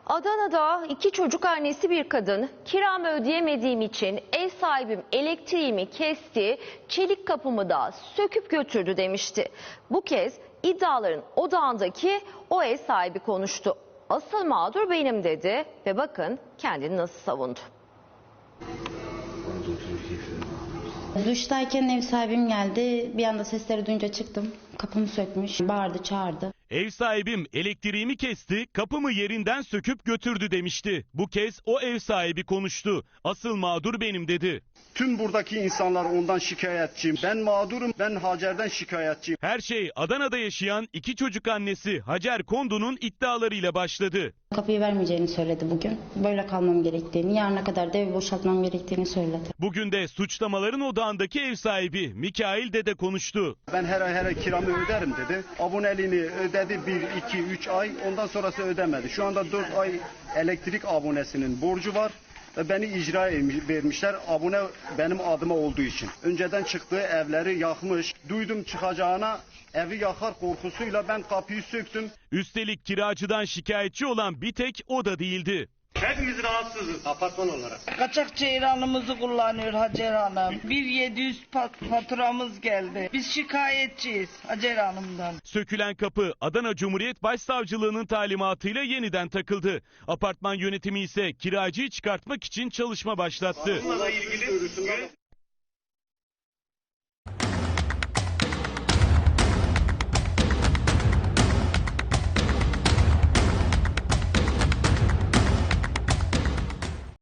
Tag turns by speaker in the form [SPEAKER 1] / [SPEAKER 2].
[SPEAKER 1] Adana'da 2 çocuk annesi bir kadın kiramı ödeyemediğim için ev sahibim elektriğimi kesti, çelik kapımı da söküp götürdü demişti. Bu kez iddiaların odağındaki o ev sahibi konuştu. Asıl mağdur benim dedi ve bakın kendini nasıl savundu.
[SPEAKER 2] Duştayken ev sahibim geldi. Bir anda sesleri duyunca çıktım. Kapımı sökmüş, bağırdı, çağırdı.
[SPEAKER 3] Ev sahibim elektriğimi kesti, kapımı yerinden söküp götürdü demişti. Bu kez o ev sahibi konuştu. Asıl mağdur benim dedi.
[SPEAKER 4] Tüm buradaki insanlar ondan şikayetçiyim. Ben mağdurum, ben Hacer'den şikayetçiyim.
[SPEAKER 3] Her şey Adana'da yaşayan 2 çocuk annesi Hacer Kondu'nun iddialarıyla başladı.
[SPEAKER 2] Kapıyı vermeyeceğini söyledi bugün. Böyle kalmam gerektiğini, yarına kadar da evi boşaltmam gerektiğini söyledi.
[SPEAKER 3] Bugün de suçlamaların odağındaki ev sahibi Mikail Dede konuştu.
[SPEAKER 4] Ben her ay kiramı öderim dedi. Aboneliğini ödedi 1, 2, 3 ay. Ondan sonrası ödemedi. Şu anda 4 ay elektrik abonesinin borcu var. Ve beni icra vermişler abone benim adıma olduğu için. Önceden çıktığı evleri yakmış. Duydum çıkacağına evi yakar korkusuyla ben kapıyı söktüm.
[SPEAKER 3] Üstelik kiracıdan şikayetçi olan bir tek o da değildi.
[SPEAKER 5] Hepimiz rahatsızız apartman olarak.
[SPEAKER 6] Kaçak ceyranımızı kullanıyor Hacer Hanım. 1.700 faturamız geldi. Biz şikayetçiyiz Hacer Hanım'dan.
[SPEAKER 3] Sökülen kapı Adana Cumhuriyet Başsavcılığı'nın talimatıyla yeniden takıldı. Apartman yönetimi ise kiracıyı çıkartmak için çalışma başlattı.
[SPEAKER 5] Bununla ilgili